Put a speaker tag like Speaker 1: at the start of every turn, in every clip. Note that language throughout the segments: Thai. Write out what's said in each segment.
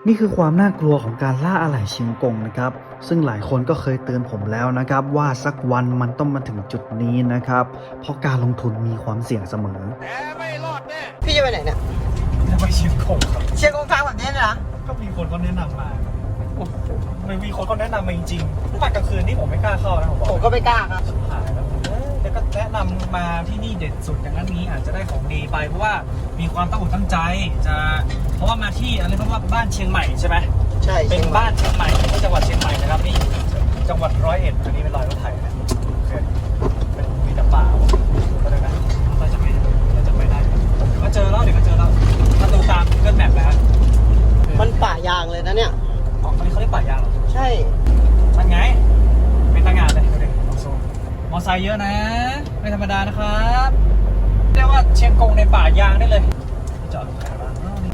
Speaker 1: นี่คือความน่ากลัวของการล่าอะไหล่เชียงกงนะครับซึ่งหลายคนก็เคยเตือนผมแล้วนะครับว่าสักวันมันต้องมาถึงจุดนี้นะครับเพราะการลงทุนมีความเสี่ยงเสมอไม่รอดแน่
Speaker 2: พี่จะไปไหนเนี่ย
Speaker 1: จะไปเชียงกงครับ
Speaker 2: เชียงกงทางแบบนี้เลยนะ
Speaker 1: ก็มีคนเขาแนะนำมาไม่มีคนเขาแนะนำมาจริงๆตอนกลางคืนนี่ผมไม่กล้าเข้านะ
Speaker 2: ผมก็ไม่กล้าครับ
Speaker 1: หายแล้วแต่ก็แนะนำมาที่นี่เด็ดสุดอย่างนั้นนี้อาจจะได้ของดีไปเพราะว่ามีความตั้งอกตั้งใจจะเพราะว่ามาที่อะไรเพราะว่าบ้านเชียงใหม่ใช่ไหม
Speaker 2: ใช่
Speaker 1: เป็นบ้านเชียงใหม่ที่จังหวัดเชียงใหม่นะครับนี่จังหวัด101อันนี้เป็นรอยรถไถนะโอเคเป็นมีแต่ป่าก็ได้นะเราจะไปได้เดี๋ยวก็เจอแล้วถ้าดูตาม Google Map นะฮะ
Speaker 2: มันป่ายางเลยนะเนี่ย
Speaker 1: อ๋ออันนี้เขาเรียกป่ายางเหรอ
Speaker 2: ใช่
Speaker 1: นั่นไงเป็นตั้งงานเลยดูดิมอไซค์เยอะนะไม่ธรรมดานะครับเรียกว่าเชียงกงในป่ายางได้เลยจอดขายบ้าง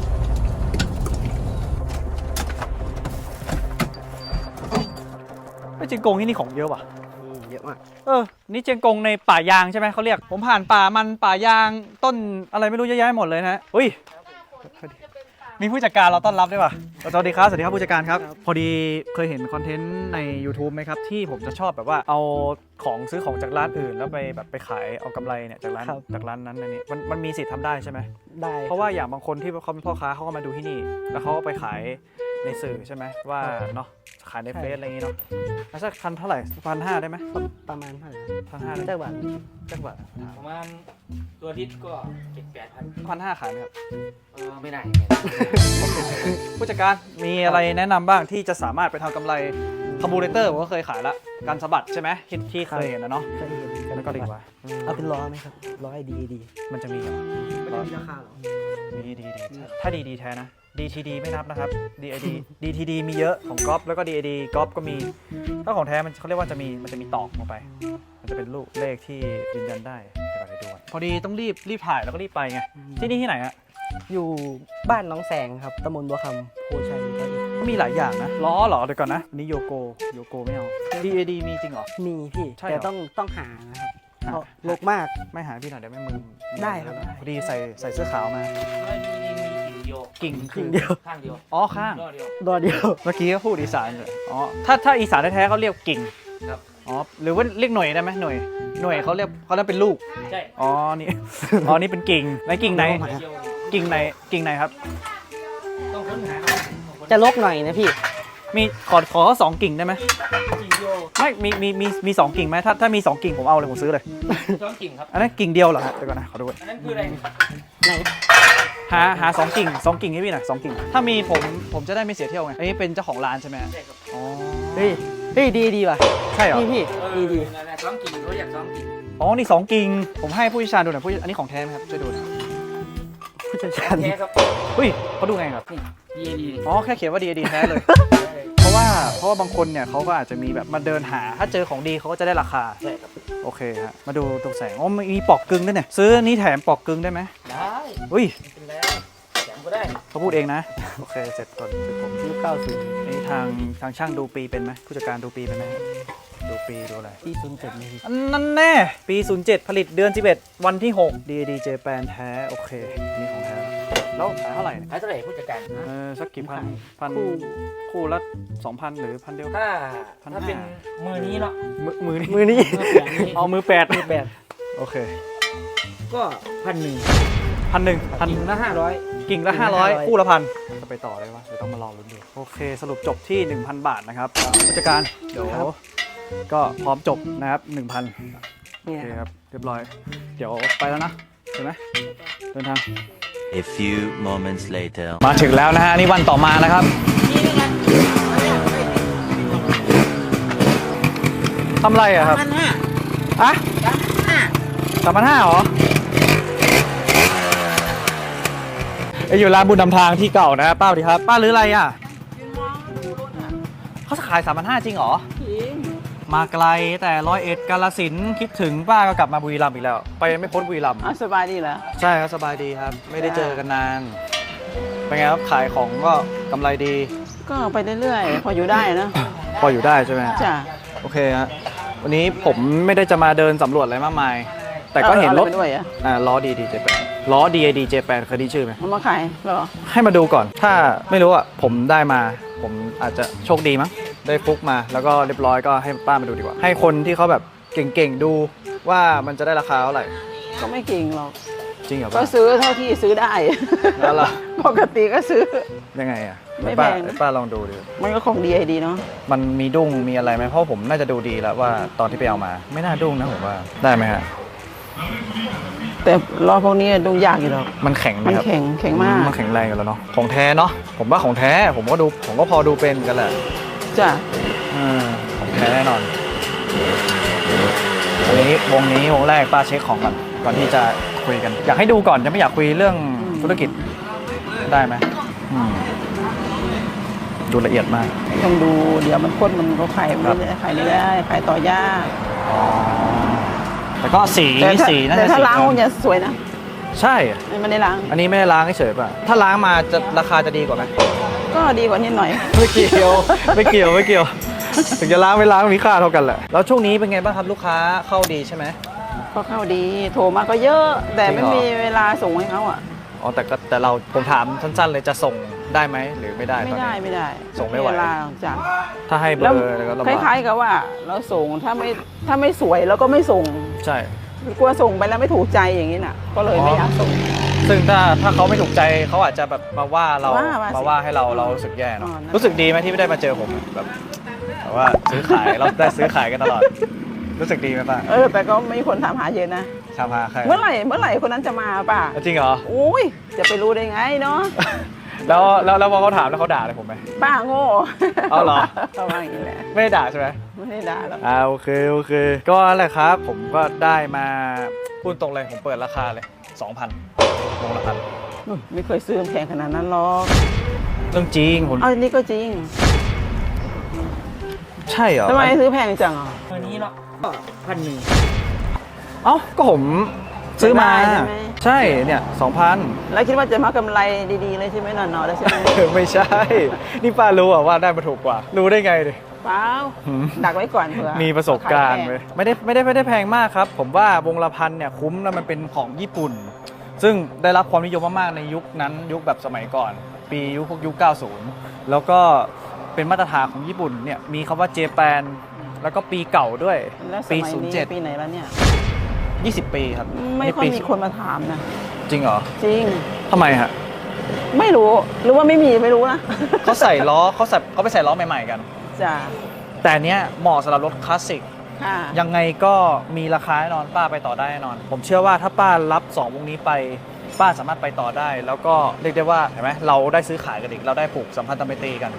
Speaker 1: เชียงกงนี่ของเยอะว่ะ
Speaker 2: เยอะมาก
Speaker 1: นี่เชียงกงในป่ายางใช่ไหมเขาเรียกผมผ่านป่ามันป่ายางต้นอะไรไม่รู้เยอะแยะหมดเลยนะอุ้ยมีผู้จัดการเราต้อนรับด้วยป่ะสวัสดีครับผู้จัดการครับพอดีเคยเห็นคอนเทนต์ใน YouTube ไหมครับที่ผมจะชอบแบบว่าเอาของซื้อของจากร้านอื่นแล้วไปขายเอากำไรเนี่ยจากร้านนั้นอันนี้มันมีสิทธิ์ทำได้ใช่ไหม
Speaker 2: ได้
Speaker 1: เพราะว่าอย่างบางคนที่เขาเป็นพ่อค้าเขาก็มาดูที่นี่แล้วเขาก็ไปขายในสื่อใช่ไหมว่าเนาะขายในเฟซอะไรอย่างงี้เนาะแล้วสักพันเท่าไหร่1,500ได้ไหม
Speaker 2: ประมาณเท่าไหร่
Speaker 1: 1,500
Speaker 2: ได้
Speaker 1: จังหวัด
Speaker 3: ประมาณตัวลิตรก็7-8,000
Speaker 1: 1,500ขายไหมครับ
Speaker 3: ไม่ได้
Speaker 1: ผู้จัดการมีอะไรแนะนำบ้างที่จะสามารถไปทำกำไรคาร์บูเรเตอร์ผมก็เคยขายละการสะบัดใช่ไหมที่เคยเห็นนะเนาะ
Speaker 2: เคยเห็น
Speaker 1: แล้วก็ดีกว่า
Speaker 2: เอาเป็นล้อไหมครับล้อดี
Speaker 1: มันจะมีเหรอ
Speaker 2: มีราคาหรอ
Speaker 1: มีดีถ้าดีแท้นะ DTD ไม่นับนะครับ DTD มีเยอะของก๊อฟแล้วก็ DAD ก๊อฟก็มีถ้าของแท้มันเขาเรียกว่ามันจะมีตอกลงไปมันจะเป็นรูปเลขที่ยืนยันได้เดี๋ยวไปดูพอดีต้องรีบถ่ายแล้วก็รีบไปไงที่นี่ที่ไหนอะ
Speaker 2: อยู่บ้านน้องแสงครับตำบลบัวคำโพชัย
Speaker 1: ก็มีหลายอย่างนะล้อเหรอเดี๋ยวก่อนนะอันนี้โยโกไม่เอา DAD มีจริงเหรอ
Speaker 2: มีพี่แต่ต้องหานะครับลกมาก
Speaker 1: ไม่หาพี่หน่อยเดี๋ยวไม่มึง
Speaker 2: ได้ครับ
Speaker 1: พอดีใส่เสื้อขาวมากิ่ง
Speaker 2: เดียว
Speaker 3: ข้างเดียว
Speaker 1: อ๋อข้าง
Speaker 2: ดอเดียว
Speaker 1: เมื่อกี้เขาพูดอีสานเลยอ๋อถ้าอีสานแท้ๆเขาเรียกกิ่ง
Speaker 3: ครับ
Speaker 1: อ๋อหรือว่าเรียกหน่วยได้ไหมหน่วยเขาเรียกเป็นลูก
Speaker 3: ใช่
Speaker 1: อ๋อนี่เป็นกิ่งไหนกิ่งไหนครับ
Speaker 3: ต้องค้นหา
Speaker 2: จะลกหน่อยนะพี่
Speaker 1: มีขอ2 กิ่งได้ไหมไม่มี2 กิ่งไหมถ้ามี2 กิ่งผมเอาเลยผมซื้อเลย
Speaker 3: 2 กิ่งครับ
Speaker 1: อันนั้นกิ่งเดียวเหรอฮะเดี๋ยวก่อนนะขอดูก่อน
Speaker 3: อันนั้นคืออะไร
Speaker 2: ไหน
Speaker 1: หา2 กิ่งให้พี่หน่อย2 กิ่งถ้ามีผมจะได้ไม่เสียเที่ยวไงอันนี้เป็นเจ้าของร้านใช่ไหม
Speaker 3: ใช่ครับ
Speaker 1: อ๋อ
Speaker 2: เฮ้ยดีว่ะ
Speaker 1: ใช่เหรอ
Speaker 2: พี่ดี
Speaker 3: 2 กิ่งเขาอยาก2 กิ่ง
Speaker 1: อ๋อนี่2 กิ่งผมให้ผู้เชี่ยวชาญดูหน่อยอันนี้ของแท้ไหมครับช่วยดูหน่อย
Speaker 2: ผู้เชี่ยวชาญ
Speaker 3: แท้ครับ
Speaker 1: อุ้ยเขาดูไงครับ
Speaker 3: DAD
Speaker 1: อ๋อแค่เขียนว่า DAD แท้เลยเพราะว่าบางคนเนี่ยเขาก็อาจจะมีแบบมาเดินหาถ้าเจอของดีเขาก็จะได้ราคา
Speaker 3: ใช่ครับ
Speaker 1: โอเคฮะมาดูตรงแสงอ๋อมีปอกกึ่งด้วยเนี่ยซื้อนี้แถมปอกกึ่งได้ไหม
Speaker 3: ได้
Speaker 1: อุ้ย
Speaker 3: เป็นแล้วแถมก็ได้
Speaker 1: เขาพูดเองนะโอเคเสร็จก่อนผม
Speaker 2: ยุค90
Speaker 1: นี่ทางช่างดูปีเป็นไหมผู้จัดการดูปีเป็นไหมดูปีดูอะไร
Speaker 2: ปี07นี่
Speaker 1: นั่นแน่ปี07ผลิตเดือน11วันที่6 DAD Japan แท้โอเคนี่ของแท้แล้วขายเท่าไหร่
Speaker 3: ขายเท่าไหร่ผู้จัดการ
Speaker 1: สักกี่พันคู่ละ 2,000 หรือ1,000 เดียว
Speaker 3: ถ้าเป็นมือนี้เนาะ
Speaker 1: มือนี้เอามือ8โอเค
Speaker 3: ก็
Speaker 1: 1,000
Speaker 3: ละ
Speaker 1: กิ่งละ500คู่ละ1,000จะไปต่อได้ปะเดี๋ยวต้องมารอลุ้นดูโอเคสรุปจบที่ 1,000 บาทนะครับผู้จัดการเดี๋ยวก็พร้อมจบนะครับ 1,000โอเคครับเรียบร้อยเดี๋ยวไปแล้วนะเห็นไหมเดินทาง
Speaker 4: A few moments later
Speaker 1: มาถึงแล้วนะฮะนี่วันต่อมานะครับทำไรอะครับ3,500อะ3,500เหรออยู่ร้านบุญนำทางที่เก่านะป้าสวัสดีครับป้าหรืออะไรอ่ะเขาขาย 3,500 จริงเหรอมาไกลแต่101 กาฬสินธุ์คิดถึงป้าก็กลับมาบุรีรัมย์อีกแล้วไปไม่พ้นบุรีรัมย์
Speaker 2: สบายดีเหรอ
Speaker 1: ใช่ครับสบายดีครับไม่ได้เจอกันนานเป็นไงครับขายของก็กำไรดี
Speaker 2: ก็ไปเรื่อยๆพออยู่ได้นะ
Speaker 1: พออยู่ได้ใช่ไหม
Speaker 2: จ้ะ
Speaker 1: โอเคฮะวันนี้ผมไม่ได้จะมาเดินสำรวจอะไรมากมายแต่ก็เห็นรถ
Speaker 2: ด้วย
Speaker 1: ล้อดีเจ็บล้อ DAD J8 เคยได้ชื่อไหม
Speaker 5: เอามาขายเหรอ
Speaker 1: ให้มาดูก่อน ถ้าไม่รู้อ่ะผมได้มาผมอาจจะโชคดีมั้งได้ฟุกมาแล้วก็เรียบร้อยก็ให้ป้ามาดูดีกว่า ให้คนที่เขาแบบเก่งๆดูว่ามันจะได้ราคาเท่าไหร่
Speaker 5: ก็ไม่เก่งหรอก
Speaker 1: จริงเหรอ
Speaker 5: ก็
Speaker 1: ป้า
Speaker 5: ซื้อเท่าที่ซื้อได้
Speaker 1: แล้วล่ะ
Speaker 5: ปกติก็ซื้อ
Speaker 1: ยังไงอ่ะ
Speaker 5: ไม่
Speaker 1: ป้า
Speaker 5: แพงนะ
Speaker 1: ป้าลองดูดิ
Speaker 5: มันก็ของดีไอดีเนาะ
Speaker 1: มันมีดุ้งมีอะไรไหมเพราะผมน่าจะดูดีแล้วว่าตอนที่ไปเอามา ไม่น่าดุ้งนะผมว่าได้ไหมฮะ
Speaker 5: แต่ล้อพวกนี้ดูยากอยู่หรอก
Speaker 1: มันแข็งไหม
Speaker 5: มัน
Speaker 1: ครับ
Speaker 5: แข็งมาก
Speaker 1: มันแข็งแรงอยู่แล้วเนาะของแท้เนาะผมว่าของแท้ผมก็พอดูเป็นกันแหละ
Speaker 5: จ้ะ
Speaker 1: ของแท้แน่นอนอันนี้วงแรกป้าเช็คของก่อนที่จะคุยกัน อยากให้ดูก่อนจะไม่อยากคุยเรื่องธุรกิจได้ไหมดูละเอียดมาก
Speaker 5: ต้องดูเดี๋ยวมันข้นมันก็ขายไม่ได้ขายไม่ได้ขายต่อยาก
Speaker 1: แต่ก็สี น่า
Speaker 5: แต่
Speaker 1: จะ
Speaker 5: ถ้า
Speaker 1: สี
Speaker 5: ล้างมันจะสวยนะ
Speaker 1: ใช่
Speaker 5: ไม่ได้ล้าง
Speaker 1: อันนี้ไม่ได้ล้างเฉยๆป่ะถ้าล้างมาจะราคาจะดีกว่าไหม
Speaker 5: ก็ดีกว่านิดหน่อย
Speaker 1: ไม่เกี่ยว ถึงจะล้างไม่ล้างมีค่าเท่ากันแหละแล้วช่วงนี้เป็นไงบ้างครับลูกค้าเข้าดีใช่ไหม
Speaker 5: ก็เข้าดีโทรมาก็เยอะ แต่
Speaker 1: จริ
Speaker 5: ไม่
Speaker 1: งเหรอ
Speaker 5: มีเวลาส่งให้เขาอ่ะ
Speaker 1: อ๋อแต่ผมถามสั้นๆเลยจะส่งได้ไหมหรือไม่ได้
Speaker 5: ไม่
Speaker 1: ตอน
Speaker 5: ได้
Speaker 1: นี้
Speaker 5: ไม่ได้
Speaker 1: ส่งไม่ไหว
Speaker 5: เวลาจ้ะ
Speaker 1: ถ้าให้เบอ
Speaker 5: แล้ว
Speaker 1: ร์แล้วก็ลำ
Speaker 5: ค
Speaker 1: บาก
Speaker 5: ล้ายๆกับว่าเราส่งถ้าไม่สวยเราก็ไม่ส่ง
Speaker 1: ใช่
Speaker 5: กลัวส่งไปแล้วไม่ถูกใจอย่างนี้น่ะ ก็เลยไม่อยากส่ง
Speaker 1: ซึ่งถ้าเขาไม่ถูกใจเขาอาจจะแบบมาว่าเรา
Speaker 5: ว่าสิ
Speaker 1: มาว่าให้เรารู้สึกแย่เนาะ
Speaker 5: อ๋อนั่น
Speaker 1: รู้สึกดีไหมที่ไม่ได้มาเจอผมแบบว่าซื้อขายเราได้ซื้อขายกันตลอด รู้สึกดีไหมป้า
Speaker 5: แต่ก็มีคนถามหาเยอะนะ
Speaker 1: ชาพาใคร
Speaker 5: เมื่อไหร่คนนั้นจะมาป่ะ
Speaker 1: จริงเหรอ
Speaker 5: อุ้ยจะไปรู้ได้ไงเนาะ
Speaker 1: แล้วพอเขาถามแล้วเขาด่าเลยผมไหม
Speaker 5: ป้าโง่
Speaker 1: เอาเหรอ
Speaker 5: ประมาณนี้แหละ
Speaker 1: ไม่ได้ด่าใช่ไหม
Speaker 5: ไม่ได้ด่าหรอก
Speaker 1: โอเคก็นั่นแหละครับ ผมก็ได้มาพูดตรงเลยผมเปิดราคาเลย 2,000วงละพัน
Speaker 5: ไม่เคยซื้อแพงขนาดนั้นหรอก
Speaker 1: เรื่องจริงผม
Speaker 5: เอาอันนี้ก็จริง
Speaker 1: ใช่เหรอ
Speaker 5: ทำไมซื้อแพงจังอ่ะ
Speaker 3: ตัวนี้เนาะก็1,000
Speaker 1: เอ้าก็ผมซื้อมา
Speaker 5: ได้ใช่ไหม
Speaker 1: ใช่เนี่ย 2,000
Speaker 5: แล้วคิดว่าจะมากำไรดีๆเลยใช่ไหมนอนๆแล้วใช่ไหม
Speaker 1: ไม่ใช่ นี่ป้ารู้อะว่าได้มาถูกกว่า รู้ได้ไงดิ
Speaker 5: เปล่า
Speaker 1: หืม
Speaker 5: ดักไว้ก่อนเผื่อ
Speaker 1: มีประสบการณ์
Speaker 5: ขยแพง
Speaker 1: เลยไม่ได้แพงมากครับ ผมว่าวงละพันเนี่ยคุ้มแล้วมันเป็นของญี่ปุ่น ซึ่งได้รับความนิยมมากๆในยุคนั้นยุคแบบสมัยก่อน ปียุค 90 แล้วก็เป็นมาตรฐานของญี่ปุ่นเนี่ยมีคำว่าเจแปนแล้วก็ปีเก่าด้วย
Speaker 5: แล้วส
Speaker 1: ปี
Speaker 5: มัยนี้ปีไหนแล้วเนี่ย
Speaker 1: 20 ปีครับ
Speaker 5: ไม่ค่อย
Speaker 1: ปี
Speaker 5: มีคนมาถามนะ
Speaker 1: จริงเหรอ
Speaker 5: จริง
Speaker 1: ทำไมฮะ
Speaker 5: ไม่รู้หรือว่าไม่มีไม่รู้นะ
Speaker 1: เขาใส่ล้อเขาไปใส่ล้อใหม่ๆกัน
Speaker 5: จ้ะ
Speaker 1: แต่เนี้ยเหมาะสำหรับรถคลาสสิก
Speaker 5: ค่ะ
Speaker 1: ยังไงก็มีราคาแน่นอนป้าไปต่อได้แน่นอน ผมเชื่อว่าถ้าป้ารับ2วงนี้ไปป้าสามารถไปต่อได้ แล้วก็เรียกได้ว่าเห็นไหมเราได้ซื้อขายกันอีกเราได้ผูกสัมพันธไมตรีกัน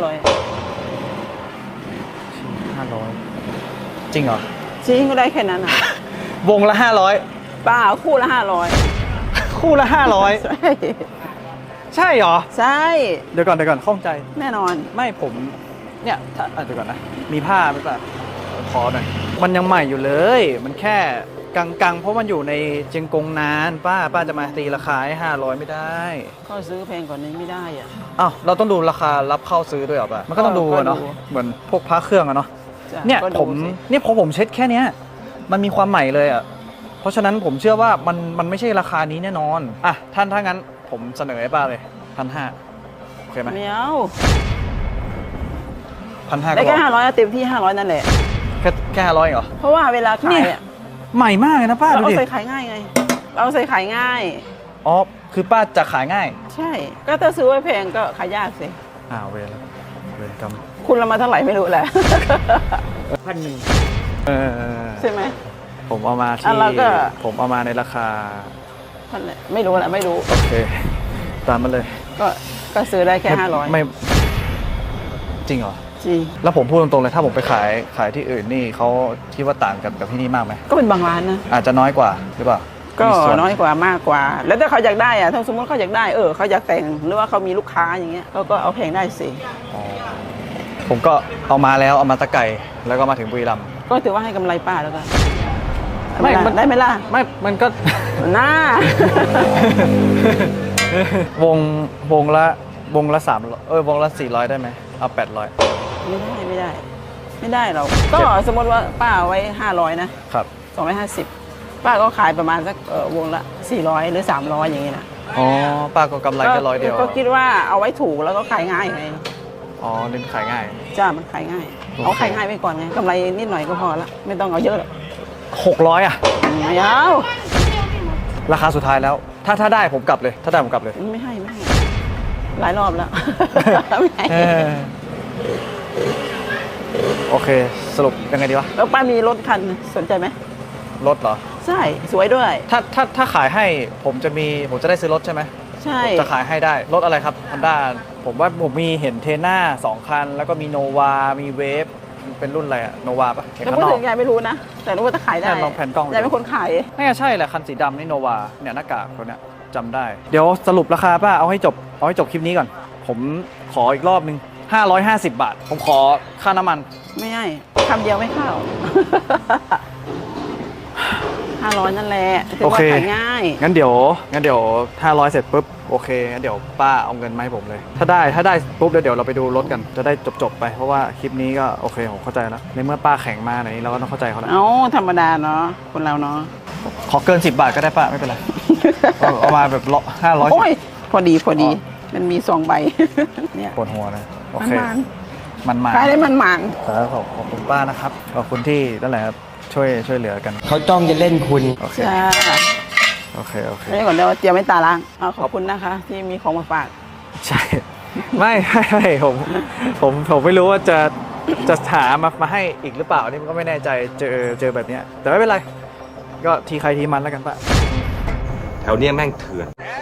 Speaker 5: 500
Speaker 1: จริงเหรอ
Speaker 5: จริงก็ได้แค่นั้นอ่ะ
Speaker 1: วงละ
Speaker 5: เปล่าคู่ละ500
Speaker 1: 500 คู่ละ
Speaker 5: ใช่
Speaker 1: 500 ใช่เหรอ
Speaker 5: ใช่
Speaker 1: เดี๋ยวก่อนข้องใจ
Speaker 5: แน่นอน
Speaker 1: ไม่ผมเนี่ยถ้าเดี๋ยวก่อนนะมีผ้าไหมป้าขอหน่อยมันยังใหม่อยู่เลย มันแค่กังเพราะมันอยู่ในเจียงกงนานป้าจะมาตีราคาให้500ไม่ได้
Speaker 5: ก็ซื้อแพงกว่านี้ไม่ได้อ่ะ
Speaker 1: อ้าวเราต้องดูราคารับเข้าซื้อด้วยเหรอป่ะมันก็ต้องดูอะเนาะ
Speaker 5: ก็ดู
Speaker 1: เหมือนพวกพระเครื่องอะเนาะ
Speaker 5: จ้ะ
Speaker 1: เนี่ย
Speaker 5: ก็ดู
Speaker 1: ผม
Speaker 5: สิ
Speaker 1: เนี่ยพอผมเช็ดแค่เนี้ยมันมีความใหม่เลยอะเพราะฉะนั้นผมเชื่อว่ามันไม่ใช่ราคานี้แน่นอนอ่ะถ้างั้นผมเสนอให้ป้าเลย1,500โอเคไหม
Speaker 5: ไม่เอา
Speaker 1: 1,500
Speaker 5: ได้
Speaker 1: ก็
Speaker 5: แค่500เต็มที่500นั่นแหละ
Speaker 1: แค่500เหรอ
Speaker 5: เพราะว่าเวลาขายอ่ะ
Speaker 1: ใหม่มากเลยนะป้า
Speaker 5: เรา
Speaker 1: ดู
Speaker 5: เอา
Speaker 1: ดิ
Speaker 5: ใส่ขายง่ายไง เราเอาใส่ขายง่าย
Speaker 1: อ๋อคือป้าจะขายง่าย
Speaker 5: ใช่ ก็ถ้าซื้อไว้แพงก็ขายยากสิ
Speaker 1: เวรกรรม
Speaker 5: คุณละมาเท่าไหร่ไม่รู้แหละ
Speaker 3: 1,000
Speaker 1: เออ
Speaker 5: ใช่ไหม
Speaker 1: ผมเอามา
Speaker 5: อ่ะ
Speaker 1: ที่
Speaker 5: เราก็
Speaker 1: ผมเอามาในราคา
Speaker 5: นั่นแหละไม่รู้แหละไม่รู้
Speaker 1: โอเคตามมาเลย
Speaker 5: ก็ซื้อได้แค่
Speaker 1: ไม่จริงเหรอ
Speaker 5: 500จริง
Speaker 1: แล้วผมพูดตรงๆเลยถ้าผมไปขายที่อื่นนี่เขาคิดว่าต่างกับที่นี่มากไหม
Speaker 5: ก็เป็นบางร้านนะ
Speaker 1: อาจจะน้อยกว่าหรือเปล่า
Speaker 5: ก็
Speaker 1: มีส่ว
Speaker 5: น้อยกว่ามากกว่า แล้วถ้าเขาอยากได้อะถ้าสมมติเขาอยากได้เขาอยากแต่งหรือว่าเขามีลูกค้าอย่างเงี้ยเขาก็เอาแพงได้สิ
Speaker 1: อ๋อผมก็เอามาแล้วเอามาตะไก่แล้วก็มาถึงบุรีรัมย์
Speaker 5: ก็ถือว่าให้กำไรป้าแล้วกัน
Speaker 1: ไม่มัน
Speaker 5: ได้ไหมล่ะ
Speaker 1: ไม่มันก็
Speaker 5: หน้า
Speaker 1: วงละ300วงละ400ได้ไหมเอา800
Speaker 5: ไม่ได้หรอกก็สมมติว่าป้าเอาไว้500นะครับ 250 ป้าก็ขายประมาณสักวงละ400หรือ300อย่างเงี้ยนะ
Speaker 1: อ๋อป้าก็กำไรแค่100เดียว
Speaker 5: ก็คิดว่าเอาไว้ถูกแล้วก็ขายง่ายไง
Speaker 1: อ๋อเน้นขายง่าย
Speaker 5: จ้ามันขายง่าย
Speaker 1: โอเค
Speaker 5: เอาขายง่ายไปก่อนไงกำไรนิดหน่อยก็พอละไม่ต้องเอาเยอะหรอก
Speaker 1: 600อ่ะ
Speaker 5: ไม่เอา
Speaker 1: ราคาสุดท้ายแล้ว ถ้าได้ผมกลับเลย ถ้าได้ผมกลับเลย
Speaker 5: ไม่ให้หลายรอบแล้ว ไม่ให้
Speaker 1: เออโอเค สรุปยังไงดีวะ
Speaker 5: แล้วป้ามีรถคันสนใจไหม
Speaker 1: รถเหรอ
Speaker 5: ใช่สวยด้วย
Speaker 1: ถ้าขายให้ผมจะได้ซื้อรถใช่ไหม
Speaker 5: ใช่
Speaker 1: ผมจะขายให้ได้ รถอะไรครับ Honda ผมว่าผมมีเห็นเทน่า2 คัน แล้วก็มีโนวา มีเวฟเป็นรุ่นอะไรอะโนวาปะเห็น
Speaker 5: แล้ว
Speaker 1: ข้าง
Speaker 5: พูด
Speaker 1: นอ
Speaker 5: ถึ
Speaker 1: ก
Speaker 5: งยายไม่รู้นะ แต่รู้ว่าถ้าขายได้
Speaker 1: ลองแผ่นกล้อง
Speaker 5: ยายเป็นคนขาย
Speaker 1: น่าจะใช่แหละคันสีดำนี่โนวาเนี่ยหน้ากากตัวเนี้ยจำได้ เดี๋ยวสรุปราคาป้าเอาให้จบคลิปนี้ก่อน ผมขออีกรอบนึง550 บาท ผมขอค่าน้ำมัน
Speaker 5: ไม่ให้คำเดียวไม่เข้า 500นั่นแหละถือ
Speaker 1: โอ
Speaker 5: ว่า
Speaker 1: เค
Speaker 5: ขายง่าย
Speaker 1: งั้นเดี๋ยว500เสร็จปุ๊บโอเคงั้นเดี๋ยวป้าเอาเงินมาให้ผมเลย ถ้าได้ปุ๊บเดี๋ยวเราไปดูรถกันจะได้จบไปเพราะว่าคลิปนี้ก็โอเคผมเข้าใจแล้วในเมื่อป้าแข่งมาไหนเราก็ต้องเข้าใจเขาแล้ว
Speaker 5: เอ้าธรรมดาเนาะคนเราเนาะ
Speaker 1: ขอเกิน10 บาทก็ได้ป้าไม่เป็นไร เอามาแบบ500
Speaker 5: โอ้ยพอดีมันมี2 ใบ เนี่ย
Speaker 1: ปวดหัวนะโอ
Speaker 5: มัน
Speaker 1: เค
Speaker 5: มัน
Speaker 1: มันมา
Speaker 5: ขายได้มันมัน
Speaker 1: ครับขอบคุณป้านะครับขอบคุณที่นั่นแหละครับช่วยเหลือกัน
Speaker 2: เขาจ้องจะเล่นคุณ
Speaker 1: โอเค
Speaker 5: จ้า
Speaker 1: โอเค
Speaker 5: นี่ก่อนเดี๋ยวเตรียมไว้ตาล้างเอาขอบคุณนะคะ ที่มีของมาฝาก
Speaker 1: ใช่ ไม่ผมไม่รู้ว่าจะหามาให้อีกหรือเปล่านี่มันก็ไม่แน่ใจเจอแบบเนี้ยแต่ไม่เป็นไร ก็ทีใครทีมันแล้วกันป้า
Speaker 6: แถวเนี้ยแม่งเถื่อน
Speaker 1: เ